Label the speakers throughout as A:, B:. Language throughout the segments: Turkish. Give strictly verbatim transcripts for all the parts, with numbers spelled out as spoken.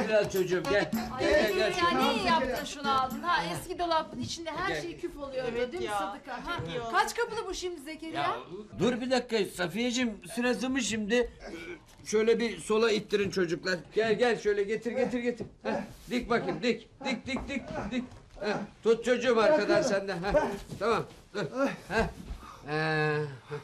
A: biraz çocuğum gel.
B: Ay
A: Gel gel gel.
B: Zekeriya
A: şöyle.
B: niye yaptın şunu aldın? Ha eski dolabın içinde her
A: Gel.
B: şey küf oluyor
C: Evet
B: değil mi
C: ya.
B: Sıdıka? Ha?
C: iyi oldu.
B: Kaç kapılı bu şimdi Zekeriya?
A: Ya, dur bir dakika Safiyeciğim sırası mı şimdi? Şöyle bir sola ittirin çocuklar. Gel gel şöyle getir getir getir. Heh, dik bakayım dik dik dik dik dik. Heh, tut çocuğum arkadan sen de. Heh, tamam dur. Heh. Ee,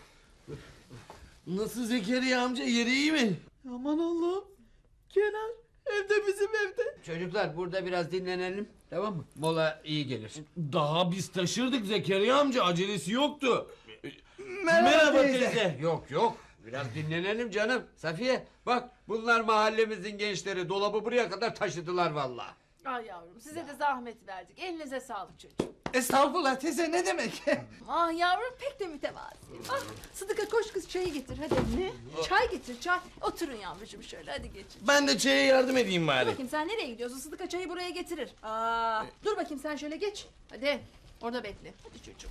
D: Nasıl Zekeriya amca, yeri iyi mi? Aman Allah'ım. Kenar evde, bizim evde.
A: çocuklar burada biraz dinlenelim tamam mı? Mola iyi gelir.
D: Daha biz taşırdık Zekeriya amca, acelesi yoktu.
E: Merhaba
D: teyze.
A: Yok yok biraz dinlenelim canım. Safiye bak bunlar mahallemizin gençleri dolabı buraya kadar taşıdılar vallahi.
B: Ay yavrum size de zahmet verdik. Elinize sağlık çocuğum.
E: Estağfurullah teyze, ne demek?
B: Ah yavrum pek de mütevazi. Ah Sıdıka koş kız çayı getir hadi. Ne? Çay getir çay. Oturun yavrucuğum şöyle hadi geçin.
D: Ben de çaya yardım edeyim
B: Dur
D: bari.
B: bakayım sen nereye gidiyorsun? Sıdıka çayı buraya getirir. Aa, dur bakayım sen şöyle geç. Hadi orada bekle. Hadi çocuğum.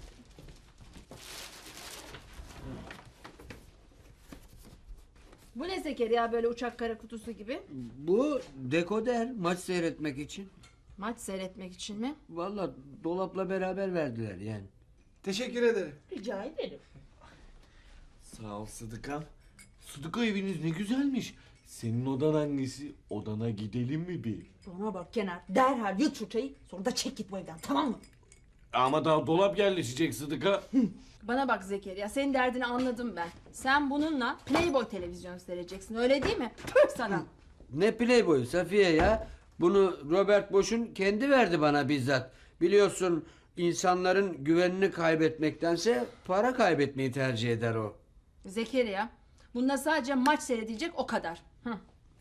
B: Bu ne Zekeriya böyle uçak kara kutusu gibi?
A: Bu dekoder maç seyretmek için.
B: Maç seyretmek için mi?
A: Vallahi dolapla beraber verdiler yani.
E: Teşekkür ederim.
B: Rica ederim.
D: Sağ ol Sıdıka. Sıdıka eviniz ne güzelmiş. Senin odan hangisi? Odana gidelim mi bir?
F: Bana bak Kenar, derhal yut şu çayı, sonra da çek git bu evden, tamam mı?
D: Ama daha dolap yerleşecek Sıdıka.
B: Bana bak Zekeriya senin derdini anladım ben. Sen bununla Playboy televizyonu seyredeceksin öyle değil mi? Tüh sana.
A: Ne playboy Safiye ya? Bunu Robert Bosch'un kendi verdi bana bizzat. Biliyorsun insanların güvenini kaybetmektense para kaybetmeyi tercih eder o.
B: Zekeriya bunda sadece maç seyredilecek o kadar. Hı.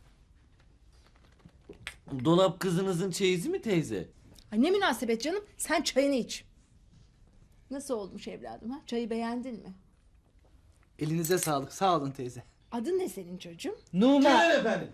D: Dolap kızınızın çeyizi mi teyze?
B: Ay ne münasebet canım sen çayını iç. Nasıl olmuş evladım ha? Çayı beğendin mi?
E: Elinize sağlık, sağ olun teyze.
B: Adın ne senin çocuğum?
E: Numan.
D: efendim.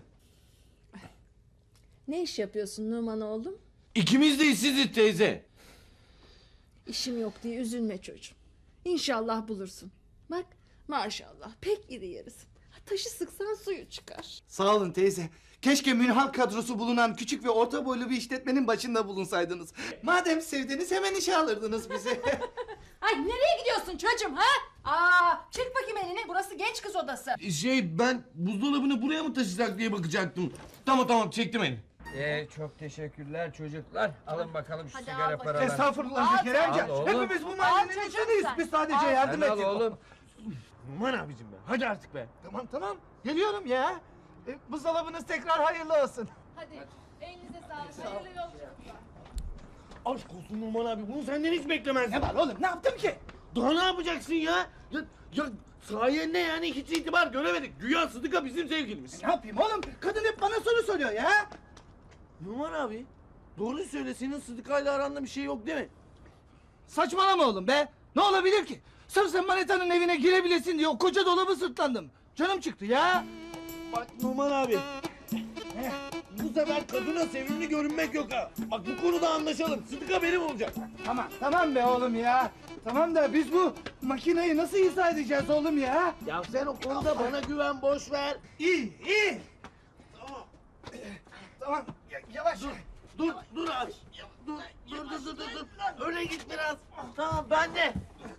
B: Ne iş yapıyorsun Numan oğlum?
D: İkimiz de işsiziz teyze.
B: İşim yok diye üzülme çocuğum. İnşallah bulursun. Bak maşallah pek iri yarısın. Ha, taşı sıksan suyu çıkar.
E: Sağ olun teyze. Keşke münhal kadrosu bulunan küçük ve orta boylu bir işletmenin başında bulunsaydınız. Madem sevdiniz hemen işe alırdınız bizi.
B: Ay nereye gidiyorsun çocuğum ha? Aa, çek bakayım elini burası genç kız odası.
D: Şey, ben buzdolabını buraya mı taşısak diye bakacaktım. Tamam tamam, çektim elini.
A: Ee, çok teşekkürler çocuklar. Alın bakalım şu
B: Hadi
A: sigara
B: al bakalım.
A: paralarını.
E: Estağfurullah
B: Al
E: Zekeriya
B: sen.
E: amca.
A: Al oğlum.
E: Hepimiz bu mahallenin
B: çocuğum
E: insanıyız.
B: sen.
E: Biz sadece
B: Al.
E: yardım
A: Sen al
E: ettik.
A: oğlum.
D: Aman abicim be, hadi artık be.
E: Tamam tamam. Geliyorum ya. E, buzdolabınız tekrar hayırlı olsun.
B: Hadi elinize sağlık. Hayırlı yolculuklar.
D: Aşk olsun Numan abi, bunu senden hiç beklemezdim.
E: Ne var oğlum, ne yaptım ki?
D: Daha ne yapacaksın ya? Ya, ya sayende yani hiç itibar göremedik. Güya Sıdıka bizim sevgilimiz.
E: Ne yapayım oğlum? Kadın hep bana soru soruyor ya.
D: Numan abi, doğru söyle, senin Sıdıka'yla aranda bir şey yok değil mi?
E: Saçmalama oğlum be. Ne olabilir ki? Sırf sen Maneta'nın evine girebilesin diye o koca dolabı sırtlandım. Canım çıktı ya.
D: Bak Numan abi. Bu sefer kadına sevimli görünmek yok ha. Bak bu konuda anlaşalım. Sıdıka benim olacak.
E: Tamam, tamam be oğlum ya. Tamam da biz bu makineyi nasıl izah edeceğiz oğlum ya?
D: Ya sen o konuda bana güven, boş ver.
E: İyi, iyi. Tamam. Tamam, ya- yavaş.
D: Dur, dur, dur abi. Ya, Dur, dur, dur, dur, dur, dur. Öne git biraz. Tamam, ben de.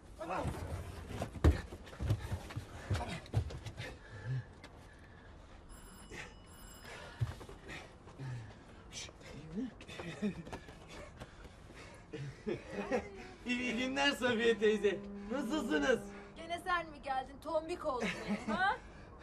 D: İyi günler Safiye teyze. Nasılsınız?
B: Gene sen mi geldin tombik oldun ha?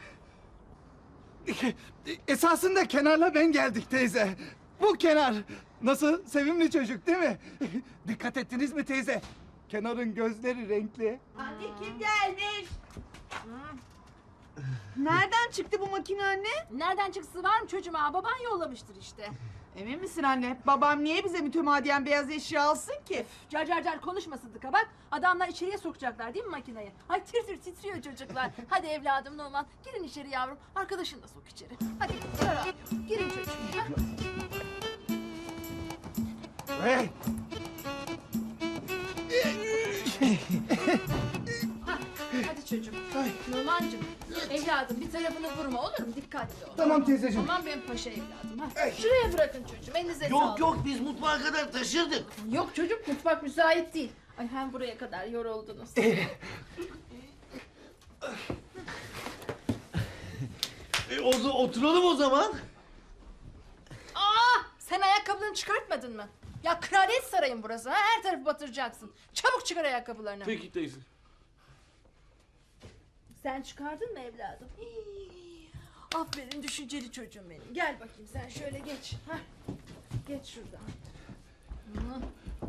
E: Esasında Kenar'la ben geldik teyze. Bu Kenar. Nasıl? Sevimli çocuk değil mi? Dikkat ettiniz mi teyze? Kenar'ın gözleri renkli.
F: Anne kim gelmiş? Nereden çıktı bu makine anne?
B: Nereden çıksı var mı çocuğum ha? Baban yollamıştır işte.
F: Emin misin anne? Babam niye bize mütemadiyen beyaz eşya alsın ki?
B: Car car car konuşma Sıdıka bak. Adamlar içeriye sokacaklar değil mi makineyi? Ay tir tir titriyor çocuklar. Hadi evladım Numan girin içeri yavrum. Arkadaşını da sok içeri. Hadi Zara, girin çocuğum. Ha?
E: Hey!
B: Ha, hadi çocuğum. Numancığım evladım. Evladım bir tarafını vurma olur mu? Dikkatli ol.
E: Tamam teyzeciğim.
B: Aman benim paşa evladım. Ha. Şuraya bırakın çocuğum. Elinize
D: Yok
B: sağlık.
D: yok biz mutfağa kadar taşırdık.
B: Yok çocuk mutfak müsait değil. Ay hem buraya kadar yoruldunuz.
D: E, o, za- oturalım o zaman.
B: Aa, sen ayakkabılarını çıkartmadın mı? Ya kraliyet sarayın burası ha. Her tarafı batıracaksın. Çabuk çıkar ayakkabılarını.
D: Peki teyze.
B: Sen çıkardın mı evladım? Hii, aferin düşünceli çocuğum benim. Gel bakayım sen şöyle geç. Hah. Geç şuradan. Hı.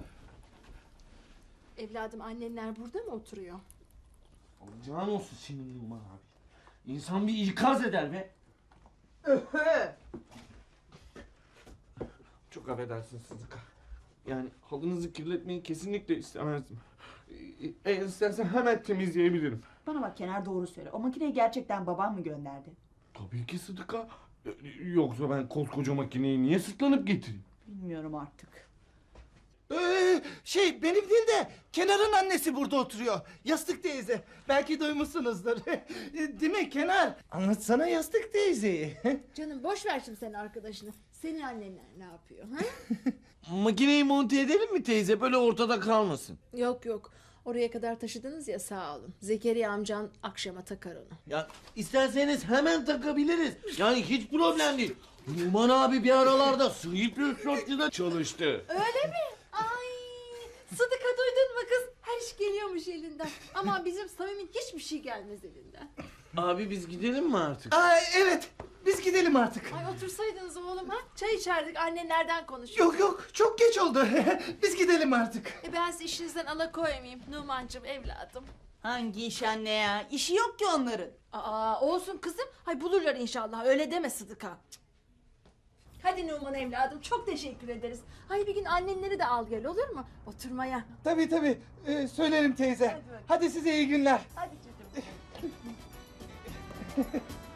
B: Evladım annenler burada mı oturuyor?
D: Can olsun senin Numan abi. İnsan bir ikaz eder be. Çok affedersin Sıdıka. Yani halınızı kirletmeyi kesinlikle istemezdim. E, Eğer istersen hemen temizleyebilirim.
F: Bana bak Kenar doğru söyle. O makineyi gerçekten babam mı gönderdi?
D: Tabii ki Sıdıka. E, Yoksa ben koskoca makineyi niye sırtlanıp getireyim?
F: Bilmiyorum artık.
E: Ee, şey benim değil de Kenar'ın annesi burada oturuyor. Yastık teyze. Belki duymuşsunuzdur. Değil mi Kenar? Anlatsana Yastık teyzeyi.
B: Canım boş ver şimdi senin arkadaşını. Senin annenler ne yapıyor? Ha?
A: Makineyi monte edelim mi teyze? Böyle ortada kalmasın.
B: Yok yok. Oraya kadar taşıdınız ya sağ olun. Zekeriya amcan akşama takar onu.
A: Ya isterseniz hemen takabiliriz. Yani hiç problem değil. Numan abi bir aralarda Sleepless Shot'ta çalıştı.
B: Öyle mi? Ay Sıdıka duydun mu kız? Her iş geliyormuş elinden. Ama bizim Samim'in hiçbir şey gelmez elinden.
A: Abi biz gidelim mi artık?
E: Aa, evet biz gidelim artık.
B: Ay otursaydınız oğlum ha? Çay içerdik annenlerden konuşuruz.
E: Yok yok çok geç oldu. Biz gidelim artık.
B: E ben sizi işinizden alakoymayayım Numancığım evladım.
F: Hangi iş anne ya? İşi yok ki onların.
B: Aa olsun kızım. Hay bulurlar inşallah öyle deme Sıdıka. Cık. Hadi Numan evladım çok teşekkür ederiz. Hay bir gün annenleri de al gel olur mu? Oturmaya.
E: Tabii tabii ee, söylerim teyze.
B: Hadi bakalım.
E: Hadi size iyi günler.
B: Hadi çocuğum.